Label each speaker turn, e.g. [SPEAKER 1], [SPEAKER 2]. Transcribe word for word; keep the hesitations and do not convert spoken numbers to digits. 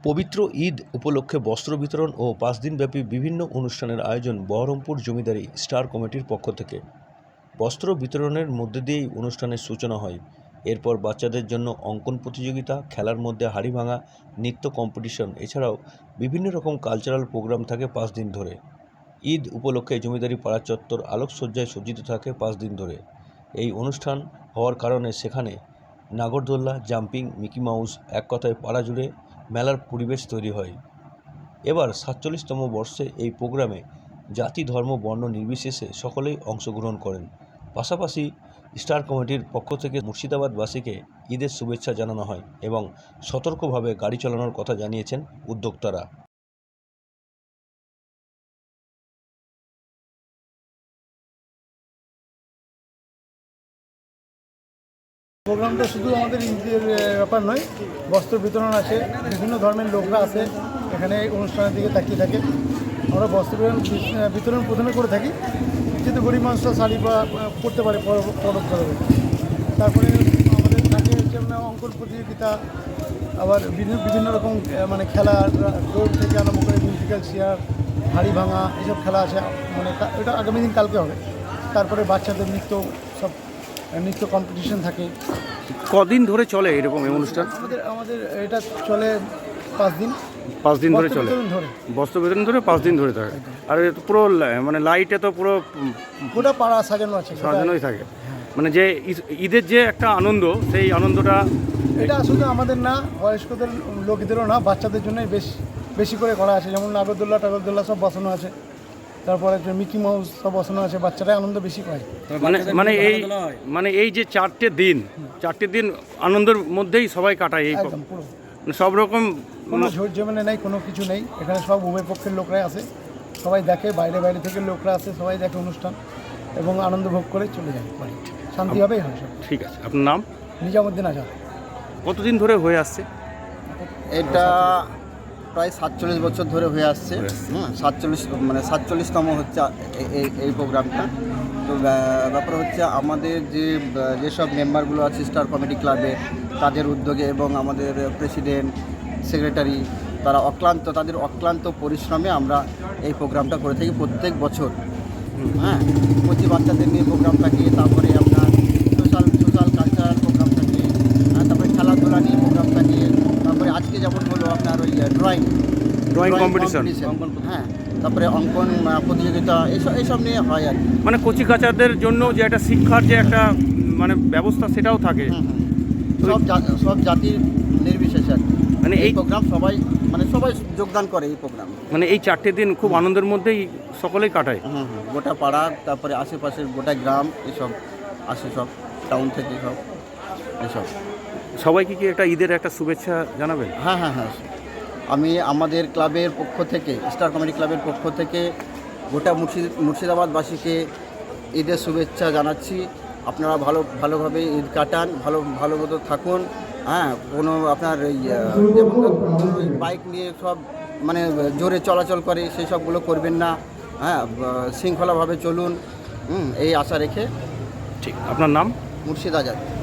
[SPEAKER 1] পবিত্র ঈদ উপলক্ষে বস্ত্র বিতরণ ও পাঁচ দিনব্যাপী বিভিন্ন অনুষ্ঠানের আয়োজন বহরমপুর জমিদারি স্টার কমিটির পক্ষ থেকে। বস্ত্র বিতরণের মধ্যে দিয়েই অনুষ্ঠানের সূচনা হয়। এরপর বাচ্চাদের জন্য অঙ্কন প্রতিযোগিতা, খেলার মধ্যে হাড়ি ভাঙা, নৃত্য কম্পিটিশন, এছাড়াও বিভিন্ন রকম কালচারাল প্রোগ্রাম থাকে পাঁচ দিন ধরে। ঈদ উপলক্ষে জমিদারি পাড়া চত্বর আলোকসজ্জায় সজ্জিত থাকে পাঁচ দিন ধরে। এই অনুষ্ঠান হওয়ার কারণে সেখানে নাগরদোল্লা, জাম্পিং, মিকি মাউস, এক কথায় পাড়া জুড়ে মেলার পরিবেশ তৈরি হয়। এবার সাতচল্লিশতম বর্ষে এই প্রোগ্রামে জাতি, ধর্ম, বর্ণ নির্বিশেষে সকলেই অংশগ্রহণ করেন। পাশাপাশি স্টার কমিটির পক্ষ থেকে মুর্শিদাবাদবাসীকে ঈদের শুভেচ্ছা জানানো হয় এবং সতর্কভাবে গাড়ি চালানোর কথা জানিয়েছেন উদ্যোক্তারা।
[SPEAKER 2] প্রোগ্রামটা শুধু আমাদের ঈদের ব্যাপার নয়, বস্ত্র বিতরণ আছে, বিভিন্ন ধর্মের লোকরা আছে এখানে অনুষ্ঠানের দিকে তাকিয়ে থাকে। আমরা বস্ত্র বিতরণ প্রথমে করে থাকি, যেহেতু গরিব মানুষরা শাড়ি বা পরতে পারে পরবর্তীভাবে। তারপরে আমাদের থাকে হচ্ছে অঙ্কন প্রতিযোগিতা, আবার বিভিন্ন বিভিন্ন রকম মানে খেলা, দৌড় থেকে আরম্ভ করে মিউজিক্যাল চেয়ার, হাড়ি ভাঙা, এসব খেলা আছে। মানে এটা আগামী দিন কালকে হবে। তারপরে বাচ্চাদের নৃত্য, সব নৃত্য কম্পিটিশন থাকে।
[SPEAKER 3] কদিন ধরে চলে এরকম এই অনুষ্ঠান?
[SPEAKER 2] আমাদের আমাদের এটা চলে পাঁচ দিন
[SPEAKER 3] পাঁচ দিন ধরে চলে
[SPEAKER 2] ধরে
[SPEAKER 3] বস্ত্র বিতরণ ধরে পাঁচ দিন ধরে থাকে। আর পুরো মানে লাইটে তো পুরো
[SPEAKER 2] গোটা পাড়া সাজানো আছে,
[SPEAKER 3] সাজানোই থাকে। মানে যে ঈদের যে একটা আনন্দ, সেই আনন্দটা
[SPEAKER 2] এটা শুধু আমাদের না, বয়স্কদের লোকদেরও না, বাচ্চাদের জন্যই বেশ বেশি করে করা আছে। যেমন নাগরদোল্লা টাগরদোল্লা সব বসানো আছে, তারপরে মিকি মাউস সব বসানো আছে, বাচ্চারা আনন্দ বেশি পায়। মানে
[SPEAKER 3] মানে এই মানে এই যে চারটে দিন চারটে দিন আনন্দের মধ্যেই সবাই কাটায়। এই
[SPEAKER 2] একদম পুরো
[SPEAKER 3] সব রকম
[SPEAKER 2] কোনো ঝোর জমেনে নেই, কোনো কিছু নেই। এখানে সব উভয় পক্ষের লোকরাই আসে, সবাই দেখে, বাইরে বাইরে থেকে লোকরা আসে, সবাই দেখে অনুষ্ঠান এবং আনন্দ ভোগ করে চলে যায় বাড়ি। শান্তিভাবেই হয় সব।
[SPEAKER 3] ঠিক আছে, আপনার নাম?
[SPEAKER 2] নিজামুদ্দিন আজাদ।
[SPEAKER 3] কতদিন ধরে হয়ে আসছে
[SPEAKER 4] এটা? প্রায় সাতচল্লিশ বছর ধরে হয়ে আসছে। হ্যাঁ, সাতচল্লিশ মানে সাতচল্লিশতম হচ্ছে এই এই প্রোগ্রামটা। তো ব্যাপার হচ্ছে আমাদের যে যেসব মেম্বারগুলো আছে স্টার কমিটি ক্লাবে, তাদের উদ্যোগে এবং আমাদের প্রেসিডেন্ট, সেক্রেটারি, তারা অক্লান্ত তাদের অক্লান্ত পরিশ্রমে আমরা এই প্রোগ্রামটা করে থাকি প্রত্যেক বছর। হ্যাঁ, প্রতি বাচ্চাদের নিয়ে প্রোগ্রাম থাকে, তারপরে আপনার সোশ্যাল সোশ্যাল কালচারাল প্রোগ্রাম থাকে, তারপরে খেলাধুলা নিয়ে প্রোগ্রাম থাকে, তারপরে আজকে যেমন হলো আপনার ওই ড্রয়িং
[SPEAKER 3] ড্রয়িং কম্পিটিশন,
[SPEAKER 4] হ্যাঁ, তারপরে অঙ্কন প্রতিযোগিতা, এইসব এইসব নিয়ে হয় আর কি।
[SPEAKER 3] মানে কচি কাচাদের জন্য যে একটা শিক্ষার যে একটা মানে ব্যবস্থা, সেটাও থাকে।
[SPEAKER 4] সব সব জাতির নির্বিশেষে আর কি। মানে এই প্রোগ্রাম সবাই মানে সবাই যোগদান করে এই প্রোগ্রাম।
[SPEAKER 3] মানে এই চারটে দিন খুব আনন্দের মধ্যেই সকলেই কাটায়।
[SPEAKER 4] হুম হুম গোটা পাড়া, তারপরে আশেপাশের গোটা গ্রাম, এসব আসে, সব টাউন থেকে সব এসব।
[SPEAKER 3] সবাইকে কি একটা ঈদের একটা শুভেচ্ছা জানাবেন?
[SPEAKER 4] হ্যাঁ হ্যাঁ হ্যাঁ আমি আমাদের ক্লাবের পক্ষ থেকে, স্টার কমেডি ক্লাবের পক্ষ থেকে গোটা মুর্শিদ মুর্শিদাবাদবাসীকে ঈদের শুভেচ্ছা জানাচ্ছি। আপনারা ভালো ভালোভাবে ঈদ কাটান, ভালো ভালো মতো থাকুন। হ্যাঁ, কোনো আপনার এই বাইক নিয়ে সব মানে জোরে চলাচল করে সেই সবগুলো করবেন না। হ্যাঁ, শৃঙ্খলাভাবে চলুন, হুম এই আশা রেখে।
[SPEAKER 3] ঠিক, আপনার নাম?
[SPEAKER 4] মুর্শিদ আজাদ।